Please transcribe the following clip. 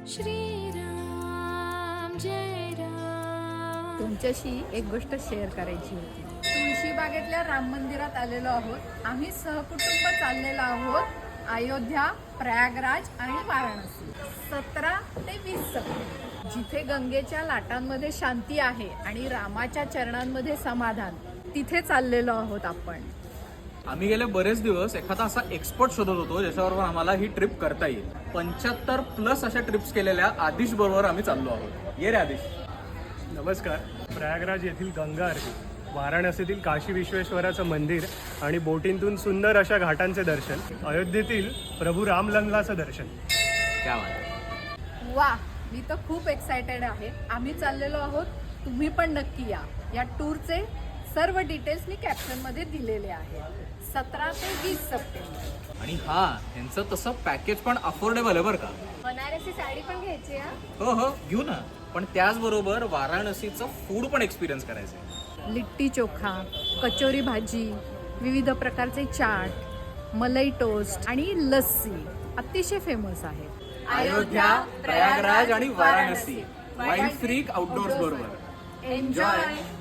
श्रीराम जय राम। तुमच्याशी एक गोष्ट शेअर करायची होती. तुळशीबागेतल्या राम मंदिरात आलेलो आहोत. आम्ही सहकुटुंब चाललेलो आहोत अयोध्या, प्रयागराज आणि वाराणसी. 17 ते 20 सप्टेंबर, जिथे गंगेच्या लाटांमध्ये शांती आहे आणि रामाच्या चरणांमध्ये समाधान, तिथे चाललेलो आहोत आपण. आम्ही गेले बरेच दिवस एखादा असा एक्सपर्ट शोधत होतो ज्याच्याबरोबर आम्हाला ही ट्रिप करता येईल. 75+ अशा ट्रिप्स केलेल्या आदिश बरोबर आम्ही चाललो आहोत. ये रे आदिश. नमस्कार. प्रयागराज येथील गंगा आरती, वाराणसीतील काशी विश्वेश्वराचं मंदिर आणि बोटींतून सुंदर अशा घाटांचे दर्शन, अयोध्येतील प्रभू रामलल्लाचं दर्शन. क्या बात. वा, मी तर खूप एक्सायटेड आहे. आम्ही चाललेलो आहोत, तुम्ही पण नक्की या. या टूरचे सर्व डिटेल्स मी कॅप्शनमध्ये दिलेले आहेत. 17 ते 20 सप्टेंबर. आणि हा, यांचं तसं पॅकेज पण अफोर्डेबल आहे बरं का. बनारसी साडी पण घ्यायची हा. हो हो, घेऊ ना. पण त्याचबरोबर वाराणसीचं फूड पण एक्सपिरियन्स करायचं आहे. लिट्टी चोखा, कचोरी भाजी, विविध प्रकारचे चाट, मलाई टोस्ट आणि लस्सी अतिशय फेमस आहे. अयोध्या, प्रयागराज आणि वाराणसी वाईल्ड फ्रीक आउटडोअर्स बरोबर. एन्जॉय.